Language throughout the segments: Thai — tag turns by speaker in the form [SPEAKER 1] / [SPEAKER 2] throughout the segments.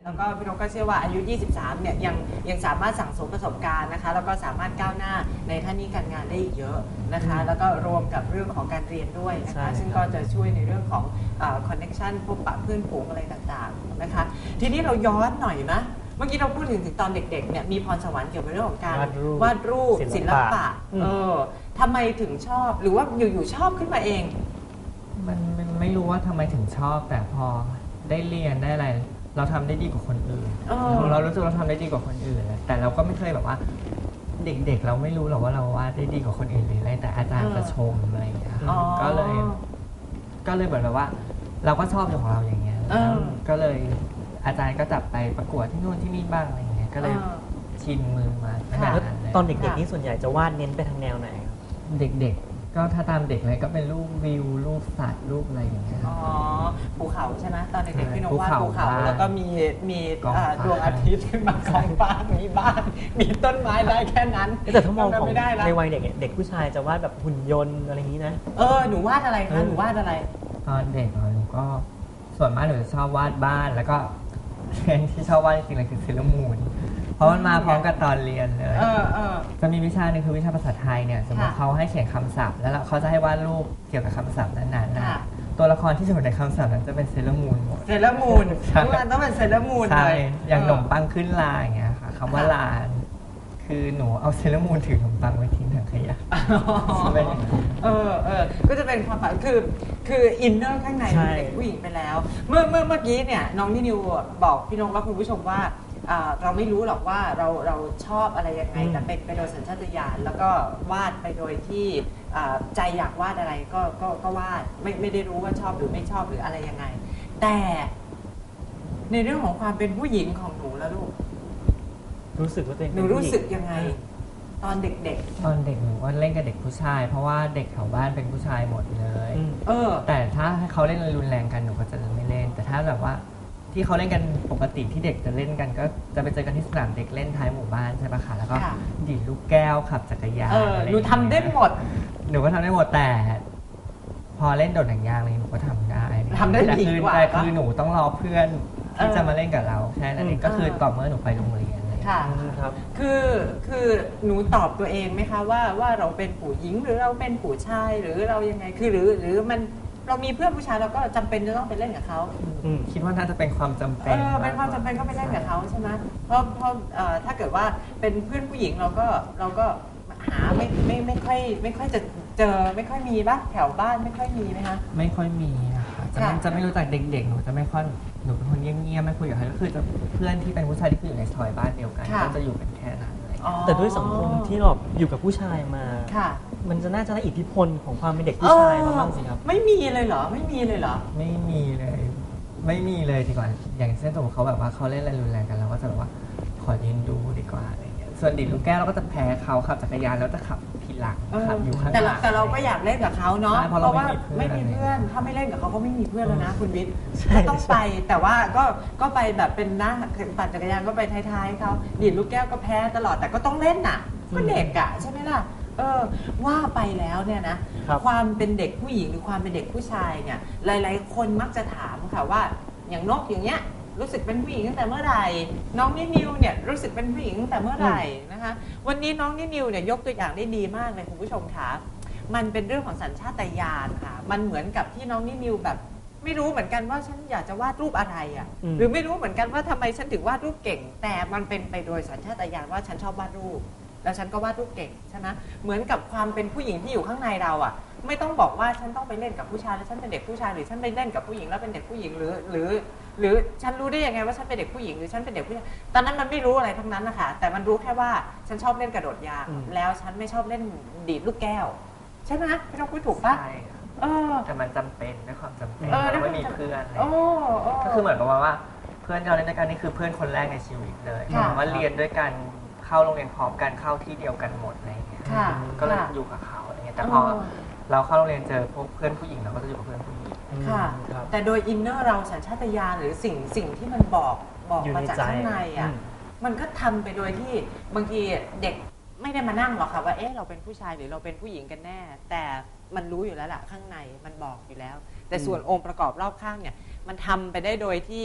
[SPEAKER 1] แล้วก็พี่นกก็เชื่อว่าอายุ 23 เนี่ยยังสามารถสั่งสมประสบการณ์นะคะแล้วก็สามารถก้าวหน้าในหน้าที่การงานได้อีกเยอะนะคะแล้วก็รวมกับเรื่องของการเรียนด้วยนะคะซึ่งก็จะช่วยในเรื่องของคอนเนคชันพบปะเพื่อนฝูงอะไรต่างๆนะคะทีนี้เราย้อนหน่อยนะเมื่อกี้เราพูดถึงตอนเด็กๆเนี่ยมีพรสวรรค์เกี่ยวกับเรื่องของการวาดรูปศิลปะทำไมถึงชอบหรือว่าอยู่ๆชอบขึ้นมาเอง
[SPEAKER 2] มันไม่รู้ว่าทำไมถึงชอบแต่พอได้เรียนได้อะไรเราทำได้ดีกว่าคนอื่นเรารู้สึกเราทำได้ดีกว่าคนอื่นแต่เราก็ไม่เคยแบบว่าเด็กๆเราไม่รู้หรอกว่าเราวาดได้ดีกว่าคนอื่นหรืออะไรแต่อาจารย์จะชมอะไรอย่างเงี้ยก็เลยแบบว่าเราก็ชอบของเราอย่างเงี้ยก็เลยอาจารย์ก็จับไปประกวดที่นู่นที่นี่บ้างอะไรอย่างเงี้ยก็เลยชินมือมาแบบนั้นเลย
[SPEAKER 3] ตอนเด็กๆนี่ส่วนใหญ่จะวาดเน้นไปทางแนวไหน
[SPEAKER 2] เด็กๆก็ถ้าตามเด็กเลยก็เป็นรูปวิวรูปสัตว์รูปอะไรอย่างเงี้ย
[SPEAKER 1] ภูเขาใช่ไหมตอนเด็กๆพี่นกวาดภูเขาแล้วก็มีดวงอาทิตย์ขึ้นมากองฟ้ามีบ้านมีต้นไม้ได้แค่นั้น
[SPEAKER 3] แต่ถ้ามองของในวัยเด็กเด็กผู้ชายจะวาดแบบหุ่นยนต์อะไรอย่างนี้นะ
[SPEAKER 1] หนูวาดอะไรคะหนูวาดอะไร
[SPEAKER 2] ตอนเด็กหนูก็ส่วนมากหนูจะชอบวาดบ้านแล้วก็เรียนที่ชอบวาดจริงๆเลยคือเซเลอรามูนเพราะมันมาพร้อมกับตอนเรียนเลยจะมีวิชาหนึ่งคือวิชาภาษาไทยเนี่ยสมมติเขาให้เขียนคำศัพท์แล้วเขาจะให้วาดรูปเกี่ยวกับคำศัพท์นั้นๆนะตัวละครที่อยู่ในคำศัพท์นั้นจะเป็นเซเลอรามูนหมด
[SPEAKER 1] เซเลอรามูนทุกอันต้องเป็นเซเลอรามูนเลย
[SPEAKER 2] อย่างขนมปังขึ้นลาอย่างเงี้ยค่ะคำว่าลาคือหนูเอาเซเลอรามูนถือขนมปังไว้ทิ้งถังขยะ
[SPEAKER 1] ก็จะเป็นความฝันคืออินเนอร์ข้างในเด็กผู้หญิงไปแล้วเมื่อกี้เนี่ยน้องนิวบอกพี่นกและคุณผู้ชมว่าเราไม่รู้หรอกว่าเราชอบอะไรยังไงแต่เป็นไปโดยสัญชาตญาณแล้วก็วาดไปโดยที่ใจอยากวาดอะไรก็วาดไม่ได้รู้ว่าชอบหรือไม่ชอบหรืออะไรยังไงแต่ในเรื่องของความเป็นผู้หญิงของหนูแล้วลูก
[SPEAKER 3] รู้สึกว่าตัวเอง
[SPEAKER 1] หนูรู้สึกยังไงตอนเด็ก
[SPEAKER 2] ๆตอนเด็กหนูก็เล่นกับเด็กผู้ชายเพราะว่าเด็กแถวบ้านเป็นผู้ชายหมดเลยแต่ถ้าให้เขาเล่นรุนแรงกันหนูก็จะไม่เล่นแต่ถ้าแบบว่าที่เขาเล่นกันปกติที่เด็กจะเล่นกันก็จะไปเจอกันที่สนามเด็กเล่นท้ายหมู่บ้านใช่ปะคะแล้วก็ดีดลูกแก้วขับจักรยาน
[SPEAKER 1] หนูทำได้หมด
[SPEAKER 2] หนูก็ทำได้หมดแต่พอเล่นโดดหนังยางเลยหนูก็ททำได้
[SPEAKER 1] ดีกว่า
[SPEAKER 2] แต่คือหนูต้องรอเพื่อนที่จะมาเล่นกับเราแค่นั้นเองก็คือต่อเมื่อหนูไปโรงเรียน
[SPEAKER 1] ค่ะคือหนูตอบตัวเองไหมคะว่าเราเป็นผู้หญิงหรือเราเป็นผู้ชายหรือเรายังไงคือหรือมันเรามีเพื่อนผู้ชายเราก็จำเป็นจะต้องไปเล่นกับเขา
[SPEAKER 2] คิดว่าน่าจะเป็นความจำเป็น
[SPEAKER 1] เป็นความจำเป็นก็ไปเล่นกับเขาใช่ไหมเพราะถ้าเกิดว่าเป็นเพื่อนผู้หญิงเราก็หาไม่ค่อยจะเจอไม่ค่อยมีป่ะแถวบ้านไม่ค่อยมีไหมคะ
[SPEAKER 2] ไม่ค่อยมีนะคะจะไม่รู้จักเด็กๆหนูจะไม่ค่อยหนูเป็นคนเงียบๆไม่คุยกับใครก็คือจะเพื่อนที่เป็นผู้ชายที่อยู่ในซอยบ้านเดียวกันก็จะอยู่กันแค่นั้น
[SPEAKER 3] แต่ด้วยสังคมที่เราอยู่กับผู้ชายมามันจะน่าจะได้อิทธิพลของความเป็นเด็กผู้ชายมาบ้างสิครับ
[SPEAKER 1] ไม่มีเลยเหรอไม่มีเลยเหรอ
[SPEAKER 2] ไม่มีเลยดีกว่าอย่างเช่นสมมติเขาแบบว่าเขาเล่นอะไรรุนแรงกันเราก็จะแบบว่าขอยืนดูดีกว่าอะไรเงี้ยส่วนดิดลูกแก้วเราก็จะแพ้เขาขับจักรยานแล้วจะขับทีหลังขับอยู่ข้างหลัง
[SPEAKER 1] แต่เราก็อยากเล่นกับเขาเนาะเพราะว่าไม่มีเพื่อนถ้าไม่เล่นกับเขาก็ไม่มีเพื่อนแล้วนะคุณวิทย์ก็ต้องไปแต่ว่าก็ไปแบบเป็นนะปั่นจักรยานก็ไปท้ายๆเขาดิดลูกแก้วก็แพ้ตลอดแต่ก็ต้องเล่นน่ะก็เด็กอะใช่ไหมล่ะว่าไปแล้วเนี่ยนะความเป็นเด็กผู้หญิงหรือความเป็นเด็กผู้ชายเนี่ยหลายๆคนมักจะถามค่ะว่าอย่างนกอย่างเงี้ยรู้สึกเป็นผู้หญิงตั้งแต่เมื่อไหร่น้องนิวเนี่ยรู้สึกเป็นผู้หญิงตั้งแต่เมื่อไหร่นะคะวันนี้น้องนิวเนี่ยยกตัวอย่างได้ดีมากเลยคุณผู้ชมคะมันเป็นเรื่องของสัญชาตญาณค่ะมันเหมือนกับที่น้องนิวแบบไม่รู้เหมือนกันว่าฉันอยากจะวาดรูปอะไรอ่ะหรือไม่รู้เหมือนกันว่าทำไมฉันถึงวาดรูปเก่งแต่มันเป็นไปโดยสัญชาตญาณว่าฉันชอบวาดรูปแล้วฉันก็วาดรูปเก่งใช่ไหมเหมือนกับความเป็นผู้หญิงที่อยู่ข้างในเราอ่ะไม่ต้องบอกว่าฉันต้องไปเล่นกับผู้ชายแล้วฉันเป็นเด็กผู้ชายหรือฉันไปเล่นกับผู้หญิงแล้วเป็นเด็กผู้หญิงหรือฉันรู้ได้ยังไงว่าฉันเป็นเด็กผู้หญิงหรือฉันเป็นเด็กผู้ชายตอนนั้นมันไม่รู้อะไรทั้งนั้นนะคะแต่มันรู้แค่ว่าฉันชอบเล่นกระโดดยางแล้วฉันไม่ชอบเล่นดีดลูกแก้วใช่ไหมไม่ต้องพูดถูกปะ
[SPEAKER 2] แต่มันจำเป็นด้วยความจำเป็นเราไม่มีเพื่อนก็คือเหมือนกับว่าเพื่อนเราเล่นด้วยกันนี่คือเพื่อนคนแรกในชีวิตเลยว่าเรียนด้วยกันเข้าโรงเรียนพร้อมกันเข้าที่เดียวกันหมดอะไรอย่างเงี้ยก็เลยอยู่กับเขาอะไรเงี้ยแต่พอเราเข้าโรงเรียนเจอพวกเพื่อนผู้หญิงเราก็จะอยู่กับเพื่อนผู้หญิง
[SPEAKER 1] ค่ะแต่โดยอินเนอร์เราสัญชาตญาณหรือสิ่งที่มันบอกมาจากข้างในอ่ะมันก็ทำไปโดยที่บางทีเด็กไม่ได้มานั่งหรอกค่ะว่าเราเป็นผู้ชายหรือเราเป็นผู้หญิงกันแน่แต่มันรู้อยู่แล้วล่ะข้างในมันบอกอยู่แล้วแต่ส่วนองค์ประกอบรอบข้างเนี่ยมันทำไปได้โดยที่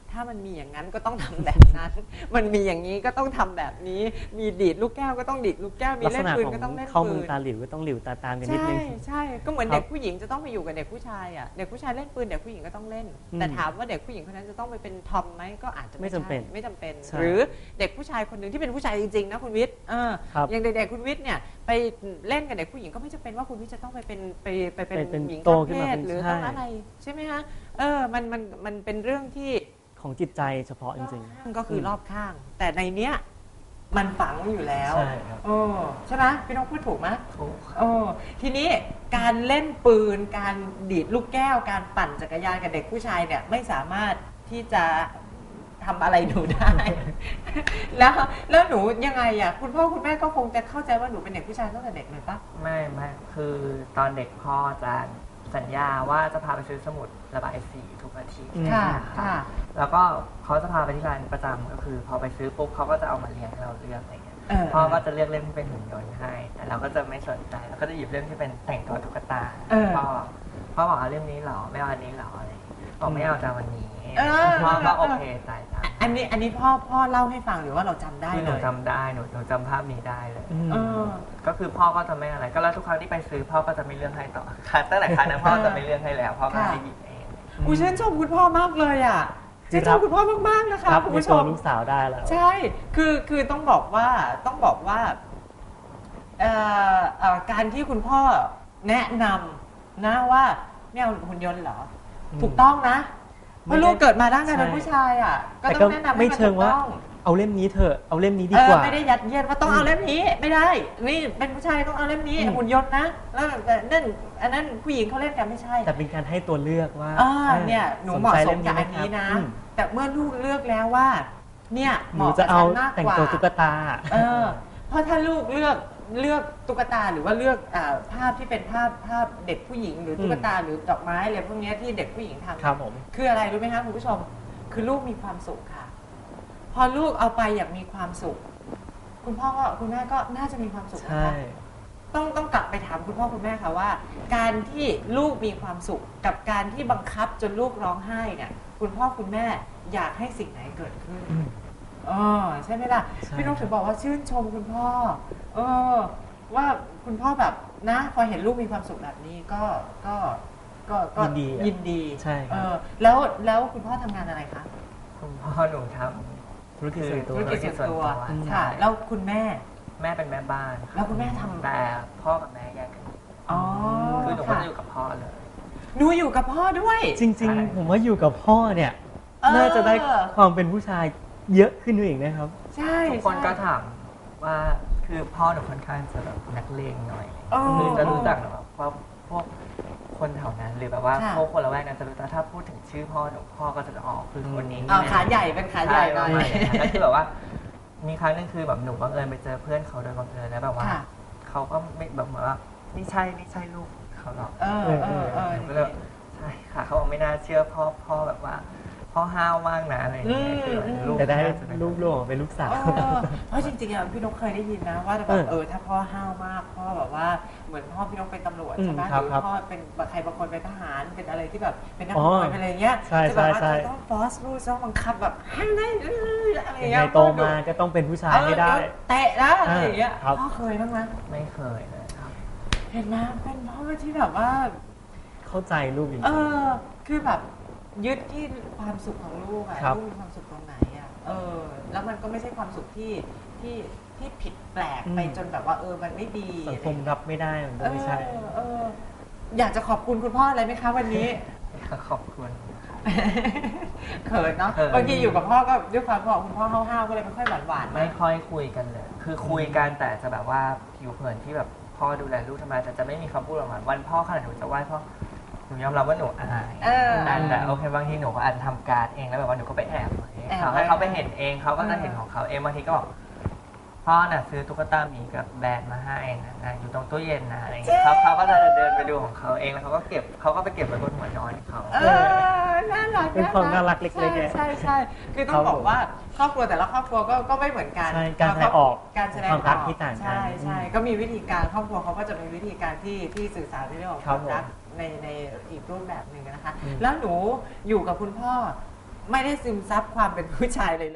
[SPEAKER 1] ถ้ามันมีอย่างนั้นก็ต้องทำแบบนั้น มันมีอย่างนี้ก็ต้องทำแบบนี้ มีดีดลูกแก้วก็ต้องดีดลูกแก้ว มี
[SPEAKER 3] ลัก
[SPEAKER 1] เล่
[SPEAKER 3] ษ
[SPEAKER 1] น
[SPEAKER 3] ณะ
[SPEAKER 1] ปืน
[SPEAKER 3] ของ
[SPEAKER 1] ก็ต้องเล่น
[SPEAKER 3] เข้า
[SPEAKER 1] ปื
[SPEAKER 3] มือน ตาหลิวก็ต้องหลิวตาตามกันนิด
[SPEAKER 1] ใช่
[SPEAKER 3] นึง
[SPEAKER 1] ใช่ก็เหมือน
[SPEAKER 3] ครับ
[SPEAKER 1] เด็กผู้หญิงจะต้องไปอยู่กับเด็กผู้ชายอ่ะเด็กผู้ชายเล่นปืนเด็กผู้หญิงก็ต้องเล่น แต่ถามว่าเด็กผู้หญิงคนนั้นจะต้องไปเป็นทอมไหมก็อาจจะ
[SPEAKER 3] ไม่จำเป็น
[SPEAKER 1] ไม่จำเป็น
[SPEAKER 3] ใช่
[SPEAKER 1] หรือเด็กผู้ชายคนหนึ่งที่เป็นผู้ชายจริงๆนะคุณวิทย์
[SPEAKER 3] ครับ
[SPEAKER 1] อย่างเด็กๆคุณวิทย์เนี่ยไปเล่นกับเด็กผู้หญิงก็ไม่จำเป็นว่าคุณวิทย์จะต้องไปเป็น
[SPEAKER 3] เป็น
[SPEAKER 1] หญิง
[SPEAKER 3] โต
[SPEAKER 1] ข้าม
[SPEAKER 3] ขึ้น
[SPEAKER 1] เพ
[SPEAKER 3] มา
[SPEAKER 1] ศ
[SPEAKER 3] เป็น
[SPEAKER 1] หรือ
[SPEAKER 3] ใช่
[SPEAKER 1] ต้องอะไรใช่ไหมคะมันเป็นเรื่องที่
[SPEAKER 3] ของจิตใจเฉพาะจริง
[SPEAKER 1] ก็คือรอบข้าง แต่ในเนี้ยมันฝังอยู่แล้ว
[SPEAKER 3] ใช่ครับ
[SPEAKER 1] ใช่ไหมพี่น้องพูดถูกไหม
[SPEAKER 2] ถูก
[SPEAKER 1] ทีนี้การเล่นปืนการดีดลูกแก้วการปั่นจักรยานกับเด็กผู้ชายเนี่ยไม่สามารถที่จะทำอะไรหนูได้ แล้วหนูยังไงอ่ะคุณพ่อคุณแม่ก็คงจะเข้าใจว่าหนูเป็นเด็กผู้ชายตั้งแต่เด็กเลยปะ
[SPEAKER 2] ไม่คือตอนเด็กพ่อจะสัญญาว่าจะพาไปซื้อสมุดระบายสีทุกอาทิตย์
[SPEAKER 1] ค่ะ
[SPEAKER 2] น
[SPEAKER 1] ค่ะ
[SPEAKER 2] แล้วก็เขาจะพาไปที่ร้านประจำก็คือพอไปซื้อปุ๊บเขาก็จะเอามาเรียงให้เราเลือกอะไรเงี้ย พ่อก็จะเลือกเล่มที่เป็นหุ่นยนต์ให้แต่เราก็จะไม่สนใจเราก็จะหยิบเล่มที่เป็นแต่งตัวตุ๊กตาพ่อบอกเอาเล่มนี้เหรอไม่เอาอันนี้เหรออะไรบอกไม่เอาจะวันนี้พ่อก็โอเคจ่ายตังค์
[SPEAKER 1] อันนี้พ่อเล่าให้ฟังหรือว่าเราจำได้
[SPEAKER 2] ที่ห
[SPEAKER 1] เล
[SPEAKER 2] นู
[SPEAKER 1] ย
[SPEAKER 2] จำได้หนูจำภาพนี้ได้เลย
[SPEAKER 3] ๆ
[SPEAKER 1] เออ
[SPEAKER 2] ก็คือพ่อก็จะไม่อะไรก็แล้วทุกครั้งที่ไปซื้อพ่อก็จะไม่เลือกให้ต่อค่ะตั้งแต่ครั้งนั้นพ่อจะไม่เลือกให้แล้วพ่อก็ให้หยิบเอง
[SPEAKER 1] อุ้ยชื่นชมคุณพ่อมากเลยอ่ะชื่นชมคุณพ่อมากๆนะคะ
[SPEAKER 3] รับ
[SPEAKER 1] คุณ
[SPEAKER 3] ใน
[SPEAKER 1] ผู้ช
[SPEAKER 3] ตัว
[SPEAKER 1] ม
[SPEAKER 3] ลูกสาวได้แล้ว
[SPEAKER 1] ใช่ คือต้องบอกว่าการที่คุณพ่อแนะนำนะว่าไม่เอาหุ่นยนต์เหรอ ถูกต้องนะเพราะลูกเกิดมาร่างกายเป็นผู้ชายอ่ะก็
[SPEAKER 3] แต่
[SPEAKER 1] ต้
[SPEAKER 3] ก็
[SPEAKER 1] องแนะนำให้
[SPEAKER 3] ไม่
[SPEAKER 1] มัน
[SPEAKER 3] เชิ
[SPEAKER 1] ถู
[SPEAKER 3] ง
[SPEAKER 1] ก
[SPEAKER 3] ว่า
[SPEAKER 1] ต้อง
[SPEAKER 3] เอาเล่มนี้เถอะเอาเล่มนี้ดีกว่า
[SPEAKER 1] ไม่ได้ยัดเยียดว่าต้องเอาเล่มนี้ไม่ได้ นี่เป็นผู้ชายต้องเอาเล่มนี้หุ่นยนต์นะแล้วนั่นอันนั้นผู้หญิงเขาเล่นกันไม่ใช่
[SPEAKER 3] แต่เป็นการให้ตัวเลือกว่า
[SPEAKER 1] เนี่ยหนูเหมาะสมกับอันนี้นะ แต่เมื่อลูกเลือกแล้วว่า เนี่ย
[SPEAKER 3] ห
[SPEAKER 1] เห
[SPEAKER 3] นู
[SPEAKER 1] มาะ
[SPEAKER 3] จะ
[SPEAKER 1] กับ
[SPEAKER 3] เอา
[SPEAKER 1] ฉันมาก
[SPEAKER 3] แต่ง
[SPEAKER 1] กว่า
[SPEAKER 3] ตัวตุ๊กตา
[SPEAKER 1] เพราะถ้าลูกเลือกตุ๊กตาหรือว่าเลือกภาพที่เป็นภาพเด็กผู้หญิงหรือตุ๊กตาหรือดอกไม้อะไรพวกเนี้ยที่เด็กผู้หญิงทำ
[SPEAKER 3] ครับผม
[SPEAKER 1] คืออะไรรู้ไหมคะคุณผู้ชม คือลูกมีความสุขค่ะ พอลูกเอาไปอย่างมีความสุข คุณพ่อก็คุณแม่ก็น่าจะมีความสุขนะ
[SPEAKER 3] ใช่
[SPEAKER 1] คะต้องกลับไปถามคุณพ่อคุณแม่ค่ะว่า การที่ลูกมีความสุขกับการที่บังคับจนลูกร้องไห้เนี่ยคุณพ่อคุณแม่อยากให้สิ่งไหนเกิดขึ้นใช่ไหมล่ะ
[SPEAKER 3] ใช่
[SPEAKER 1] พี่นกถึงบอกว่าชื่นชมคุณพ่อว่าคุณพ่อแบบนะพอเห็นลูกมีความสุขแบบนี้ก็ยินดี
[SPEAKER 3] ใช่ครับ
[SPEAKER 1] แล้วคุณพ่อทำงานอะไรคะ
[SPEAKER 2] คุณพ่อหนูท
[SPEAKER 3] ธุรกิจส่วนตัว
[SPEAKER 1] ธุรกิจส่วนตัว
[SPEAKER 2] อืม
[SPEAKER 1] ค่ะ แล้วคุณแม่
[SPEAKER 2] แม่เป็นแม่บ้าน
[SPEAKER 1] แล้วคุณแม่ทำ
[SPEAKER 2] แต่พ่อกับแม่แยกกัน
[SPEAKER 1] อ๋อ
[SPEAKER 2] คือหนูก็
[SPEAKER 1] ค่ะ
[SPEAKER 2] จะอยู่กับพ่อเลย
[SPEAKER 1] หนูอยู่กับพ่อด้วย
[SPEAKER 3] จริงๆ ผมว่าอยู่กับพ่อเนี่ย น่าจะได้ความเป็นผู้ชายเยอะขึ้นด้วยอีกนะครับ
[SPEAKER 1] ใช่
[SPEAKER 2] ทุกคนก็
[SPEAKER 1] ใช่
[SPEAKER 2] ถามว่าคือพ่อหนูค่อนข้างจะแบบนักเลงหน่อย
[SPEAKER 1] อ๋อ
[SPEAKER 2] คือจะรู้จักแบบว่าพวกคนแถวนั้นหรือแบบว่า
[SPEAKER 1] ค่ะ
[SPEAKER 2] พวกคนละแวกนั้นจะรู้จักถ้าพูดถึงชื่อพ่อหนูพ่อก็จะออกคือคนนี้
[SPEAKER 1] ขาใหญ่เป็นขาใหญ่หน่อย
[SPEAKER 2] ใช่ประมาณนั้นแล้วคือแบบว่า มีครั้งหนึงคือแบบหนูบังเอิญไปเจอเพื่อนเขาโดยบังเอิญแล้วแบบว่า
[SPEAKER 1] ค่ะ
[SPEAKER 2] เขาก็ไม่แบบเหมือนว่าไม่ใช่ลูกเขาหรอก หนูก็เลยใช่ค่ะเขาบอกไม่น่าเชื่อพ่อแบบว่าพ่อห้าวมากนะอะไรอย่างเงี้ยคือแบบลูก
[SPEAKER 3] แต่ได้
[SPEAKER 2] น่าจะเป็น
[SPEAKER 3] ลูกออกมาเป็นลูกสาว
[SPEAKER 1] เพราะจริงๆอ่ะพี่นกเคยได้ยินนะว่าแบบถ้าพ่อห้าวมากพ่อแบบว่าเหมือนพ่อพี่นกเป็นตำรวจใช่ไหม
[SPEAKER 3] อืม
[SPEAKER 1] ห
[SPEAKER 3] ครับ
[SPEAKER 1] รือพ่อเป็นใครบางคนเป็นทหารเป็นอะไรที่แบบเป็นนักมวยเป็นอะไรเงี้ย
[SPEAKER 3] ใช่
[SPEAKER 1] จะแบบว่า
[SPEAKER 3] ใช่
[SPEAKER 1] จะต้องฟอสลูกต้องบังคับแบบให้ได้อะไร
[SPEAKER 3] ยัง
[SPEAKER 1] เงี้
[SPEAKER 3] ไง
[SPEAKER 1] ย
[SPEAKER 3] โตมาก็ต้องเป็นผู้ชายให้ได้
[SPEAKER 1] เตะนะอะไรอย่างเงี้ย
[SPEAKER 3] ครับ
[SPEAKER 1] พ่อเคยบ้างไหม
[SPEAKER 2] ไม่เคยเลยครับ
[SPEAKER 1] เห็นไหมเป็นพ่อที่แบบว่า
[SPEAKER 3] เข้าใจลูกจริง
[SPEAKER 1] คือแบบยึดที่ความสุขของลูกอะ
[SPEAKER 3] ครับ
[SPEAKER 1] ลูกมีความสุขตรงไหนอะแล้วมันก็ไม่ใช่ความสุขที่ผิดแปลกไปจนแบบว่ามันไม่ดี
[SPEAKER 3] ๆสังคมรับไม่ได้มันก็ไม่ใช่
[SPEAKER 1] อยากจะขอบคุณคุณพ่ออะไรไหมคะวันนี้
[SPEAKER 2] ขอบคุณ
[SPEAKER 1] เขินเนาะ
[SPEAKER 2] เขิน
[SPEAKER 1] บางทีอยู่กับพ่อก็ด้วยความที่คุณพ่อห้าวๆก็เลยไม่ค่อยหวานๆ
[SPEAKER 2] ไม่ค่อยคุยกันเลย คือคุยกันแต่จะแบบว่าผิวเผินที่แบบพ่อดูแลลูกทำไมแต่จะไม่มีคำพูดออกมาวันพ่อขนาดหนูจะไหว้พ่อหนูยอมรับว่าหนูอายแต่โอเคบางทีหนูก็อาจจะทำการ์ดเองแล้วแบบว่าหนูก็ไปแอบไว้เขาให้เขาไปเห็นเองเขาก็จะเห็นของเขาเองบางทีก็บอกพ่อน่ะซื้อตุ๊กตาหมีกับแบรนด์มาให้นะอยู่ตรงตู้เย็นนะอะไรอย่างเงี้ยเขาก็จะเดินไปดูของเขาเองแล้วเขาก็ไปเก็บไว้บนหัวนอนเขา
[SPEAKER 1] น่ารัก
[SPEAKER 3] เป็นความน่ารักเล็กๆ
[SPEAKER 1] ใช่คือต้องบอกว่าครอบครัวแต่ละครอบครัวก็ไม่เหมือนกัน
[SPEAKER 3] ใช่การแสดงออก
[SPEAKER 1] การแสดง
[SPEAKER 3] ความรักที่ต่างกัน
[SPEAKER 1] ใช่ก็มีวิธีการครอบครัวเขาก็จะมีวิธีการที่สื่อสารในเรื่องของความรักในอีกรูปแบบหนึ่งนะคะ แล้วหนูอยู่กับคุณพ่อไม่ได้ซึมซับความเป็นผู้ชายเลย